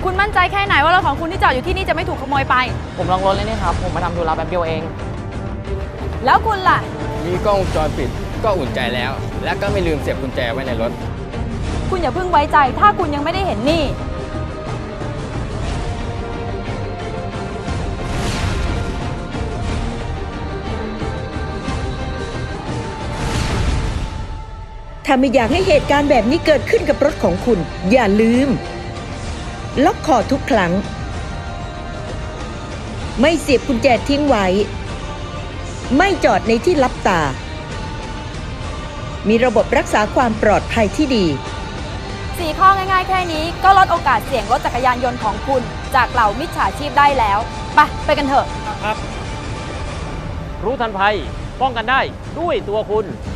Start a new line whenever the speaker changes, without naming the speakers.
คุณมั่นใจแค่ไหนว่ารถของคุณที่จอดอยู่ที่นี่จะไม่ถูกขโมยไป
ผมลองรถเลยนี่ครับ ผมมาทำธุระแป๊บเดียวเอง
แล้วคุณล่ะ
มีกล้องวงจรปิดก็อุ่นใจแล้ว และก็ไม่ลืมเสียบกุญแจไว้ในรถ
คุณอย่าเพิ่งไว้ใจถ้าคุณยังไม่ได้เห็นนี่
ถ้าไม่อยากให้เหตุการณ์แบบนี้เกิดขึ้นกับรถของคุณ อย่าลืม ล็อกคอทุกครั้ง ไม่เสียบกุญแจทิ้งไว้ ไม่จอดในที่ลับตา มีระบบรักษาความปลอดภัยที่ดี
4 ข้อง่ายๆแค่นี้ก็ลดโอกาสเสี่ยงรถจักรยานยนต์ของคุณจากเหล่ามิจฉาชีพได้แล้ว ไปกันเถอะ
รู้ทันภัยป้องกันได้ด้วยตัวคุณ